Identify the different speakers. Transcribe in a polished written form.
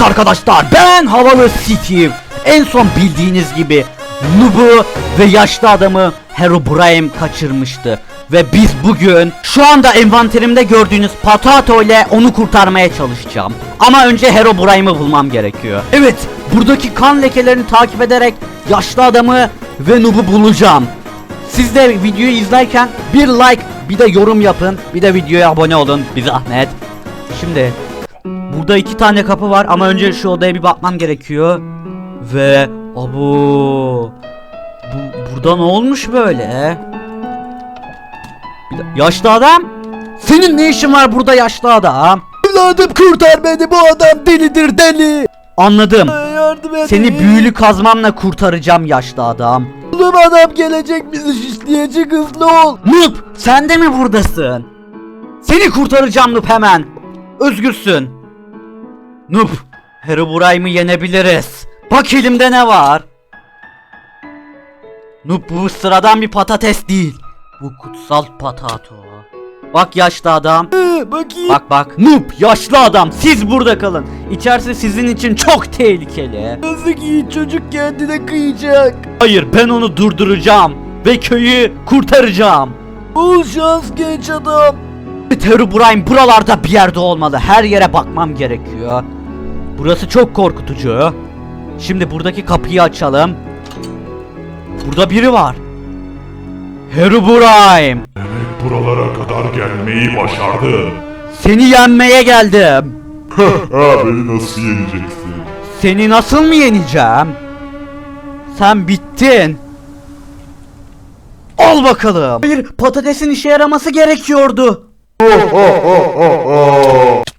Speaker 1: Evet arkadaşlar, ben Havalı Steve. En son bildiğiniz gibi Noob'u ve yaşlı adamı Herobrine kaçırmıştı. Ve biz bugün şu anda envanterimde gördüğünüz Patato ile onu kurtarmaya çalışacağım. Ama önce Herobrine'ı bulmam gerekiyor. Evet, buradaki kan lekelerini takip ederek yaşlı adamı ve Noob'u bulacağım. Siz de videoyu izlerken bir like, bir de yorum yapın, bir de videoya abone olun, bir zahmet. Şimdi burada 2 tane kapı var ama önce şu odaya bir bakmam gerekiyor. Ve burada ne olmuş böyle? Yaşlı adam? Senin ne işin var burada yaşlı adam?
Speaker 2: Evladım kurtar beni, bu adam delidir, deli.
Speaker 1: Anladım.
Speaker 2: Yardım edin.
Speaker 1: Seni büyülü kazmamla kurtaracağım yaşlı adam.
Speaker 2: Oğlum adam gelecek, bizi şişleyecek, hızlı ol.
Speaker 1: Noob, sen de mi buradasın? Seni kurtaracağım Noob, hemen. Özgürsün. Noob, Herobrine'ı yenebiliriz. Bak elimde ne var? Noob, bu sıradan bir patates değil. Bu kutsal patato. Bak yaşlı adam.
Speaker 2: Bakayım.
Speaker 1: Bak. Noob, yaşlı adam, siz burada kalın. İçerisi sizin için çok tehlikeli.
Speaker 2: Yazık, iyi çocuk kendine kıyacak.
Speaker 1: Hayır, ben onu durduracağım ve köyü kurtaracağım.
Speaker 2: Bol şans genç adam.
Speaker 1: Herobrine buralarda bir yerde olmalı. Her yere bakmam gerekiyor. Burası çok korkutucu. Şimdi buradaki kapıyı açalım. Burada biri var. Herobrine,
Speaker 3: Demek buralara kadar gelmeyi başardın.
Speaker 1: seni yenmeye geldim.
Speaker 3: Beni nasıl yeneceksin?
Speaker 1: Seni nasıl mı yeneceğim? Sen bittin. Al bakalım. Hayır, patatesin işe yaraması gerekiyordu.